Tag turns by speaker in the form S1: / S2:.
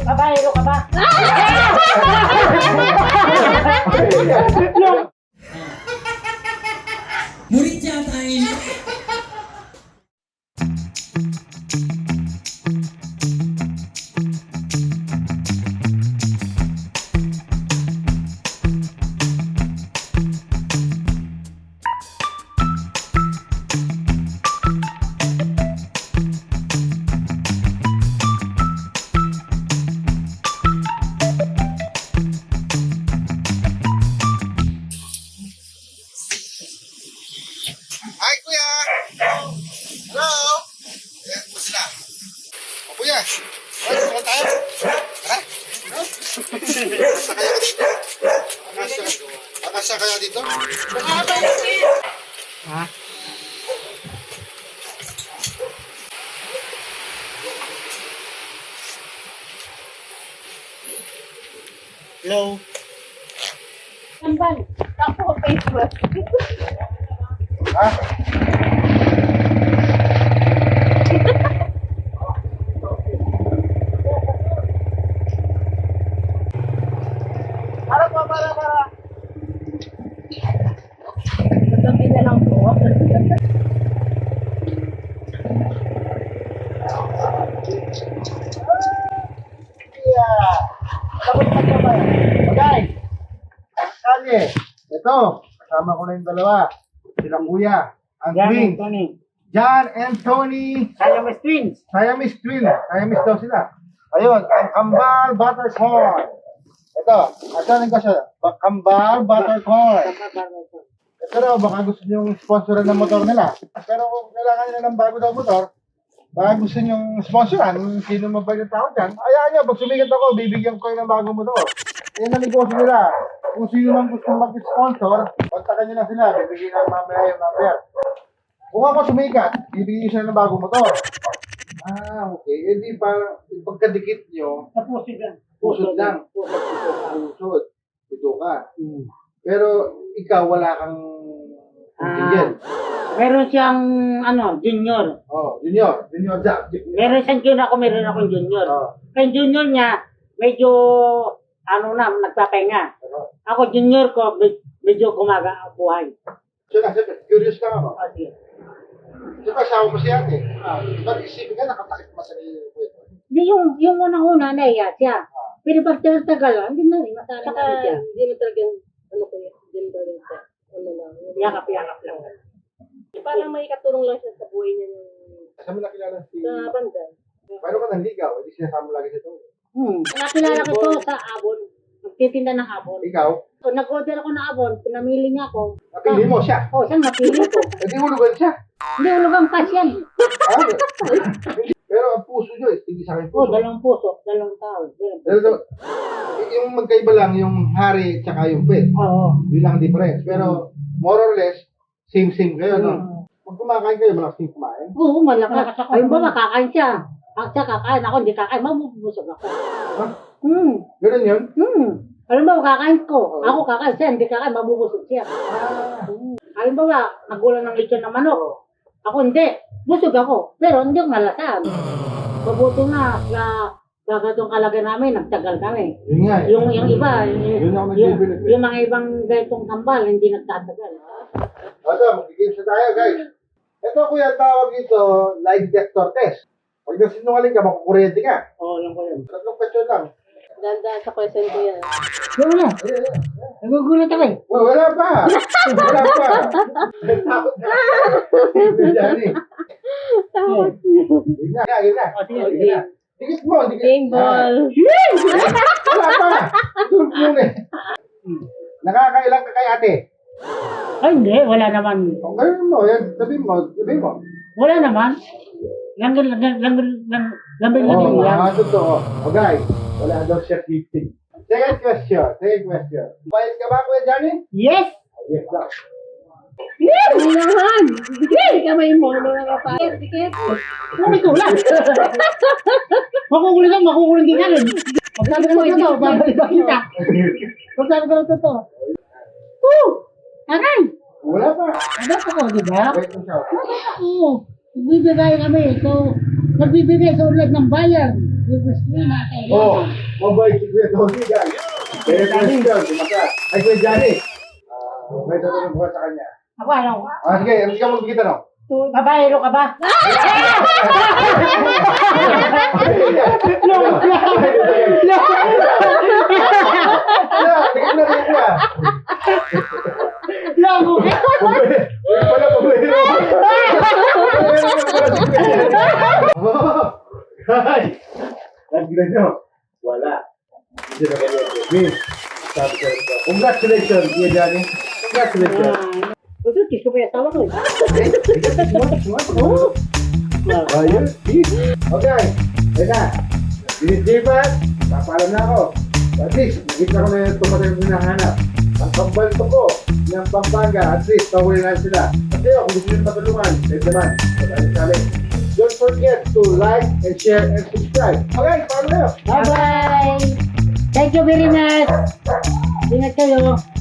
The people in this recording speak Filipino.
S1: Babaero ka ba?
S2: Murid yata yun.
S3: Hi, Kuya! Hello! Ayan, kumusta na? O, Kuya! Ay, saan tayo? Tara! Akasya kaya dito?
S1: Ha? Hello? Tambal. Ako, Facebook.
S3: Ha? Para.
S1: Gabi na lang po.
S3: Yeah! Tapos na ito ba? Okay! Kanye! Ito! Kasama ko na yung dalawa. Sila Kuya. Ang twins.
S1: Tony.
S3: John and Tony.
S1: Siamese twins.
S3: Siamese twin. Siamese daw sila. Ayun, ang Kambal Buttercorn. Ito, asan ko siya? Kambal Buttercorn. Ito raw, baka gusto nyo sponsoran ng motor nila. Pero kung kailangan nila ng bago daw motor, baka gusto nyo sponsoran, sino mabay ng tao dyan, ayaan nyo, pag sumigat ako, bibigyan ko kayo ng bagong motor. Yan ang negosyo nila. Kung sino man gusto mag-sponsor, kontakan nyo na sila, bibigyan na mamaya yung number. Kung ako sumikat, bibigyan nyo sila ng bagong motor. Ah, okay. Eh di parang pagkadikit nyo,
S1: Sa puso yan.
S3: pusod lang. Pusod. Ito ka. Pero ikaw wala kang contingent.
S1: Meron siyang, junior.
S3: Oh, junior job.
S1: Meron siyang junior ako, meron akong junior.
S3: Oh.
S1: Kaya junior niya, medyo, nagpapahinga. Ako, junior ko, medyo kumaga ang buhay.
S3: Siyempre, curious lang ako.
S1: Sige.
S3: Siyempre, asawa mo siya eh. Ba't isipin ka, nakatakit mo sa kwento?
S1: Hindi, yung unang-una, naiya siya. Pero pag tagal, hindi na rin, masala na rin siya.
S4: Hindi mo talagang, hindi mo talagang
S1: Yakap-yakap lang.
S4: parang may katulong lang siya sa buhay niya ng,
S3: Saan mo nakilala si...
S4: sa banda.
S3: Paano ka nanligaw? Hindi sinasama lagi sa ito.
S1: Nakilala ko ito sa Abon. Magtitinda ng Abon.
S3: Ikaw,
S1: So, nag-order ako ng Abon, pinamili niya ako.
S3: napili mo siya.
S1: Oh, siya napili ko.
S3: Eh di hulugan siya.
S1: Hindi, ulugang cash yan.
S3: Ah, pero ang puso nyo, tingin sa akin
S1: Oh,
S3: puso.
S1: dalawang puso, dalawang tao.
S3: Pero, yung magkaiba lang yung hari tsaka yung pet.
S1: Oo.
S3: Yun lang ang difference. Pero, more or less, same kayo, no? Pag kumakain kayo, malakas yung kumain.
S1: Oo, malakas ako. Ayun ba, makakain siya. Pag siya kakain, ako hindi kakain, mabubusog ako.
S3: Ha?
S1: Ganun
S3: yun?
S1: Alam mo, kakain ko. Ako kakain siya, hindi kakain, mabubusog siya. Alam mo ba, nagulang ng lechon ng manok. Ako hindi. Busog ako. Pero hindi ako nalasan. Mabuti nga, sa gatong kalagay namin, nagtagal kami.
S3: Yun nga eh.
S1: Yung iba,
S3: Yun ako nagbibilit.
S1: yung mga ibang ganitong kambal, hindi nagtatagal.
S3: Ito, magiging sa tayo, guys. Ito, kuya, tawag ito, lie detector test. Pag nasinungaling ka, makukuryente ka.
S1: Oo, alam ko yun.
S3: Tatlong question lang.
S4: Ganda sa question ko yan.
S1: Yung na, nagugulat ako eh.
S3: Wala pa. Wala pa. Takot na. Johnny. Yun na.
S1: O, sige,
S3: Yun na. Dikit mo, dikit.
S4: Game ball.
S3: Wala pa. Tulog muna eh. Nakakailang ka kay ate.
S1: Ay, hindi, wala naman.
S3: O, ganun mo. Yan, sabihin mo.
S1: Wala naman. Langgan lang.
S3: Mga totoo. O guys, wala daw siya gifting. Second question. Bayad ka ba, Kuya Johnny?
S1: Yes!
S3: Yes, daw.
S4: Hindi naman. Hindi ka may mono na kapatid. Dikit.
S1: May kulang. Makukulang din yan. Pagsabi ko ito, babalik ba kita? Pagsabi ko ito. Aray!
S3: Wala pa.
S1: Ano ako, di ba?
S3: Wait mo siya.
S1: Oo. Nagbibigay kami. So, nagbibigay sa ulit ng bayan. Yung gusto natin.
S3: Oh, mabait si Kuya Tony, guys. Kaya question, kumasa. Ay, Kuya Johnny. May tatanong ko sa kanya.
S1: Ako, ano?
S3: Sige, hindi ka magkikita, no?
S1: Babaero ka ba? Logo ka?
S3: Wala Hay! Nagbilan nyo? Wala. Hindi na kanya. Miss, sabi ko rin. Congratulations, Kuya Johnny. Congratulations.
S1: Gusto, kiss ko pa yung asawa ko.
S3: Ayun, okay. Ayun na. Binis J-Pat, papalam na ako. At least, nakita ko na yung tumatay yung hinahanap. Ang kambal to ko ng Pampanga, at least, pahuli na sila. Kasi ako, kung gusto nyo matulungan, kahit naman, pag-alisali. Don't forget to like and share and subscribe. Okay, paano na?
S1: Bye-bye! Thank you very much! Ingat kayo!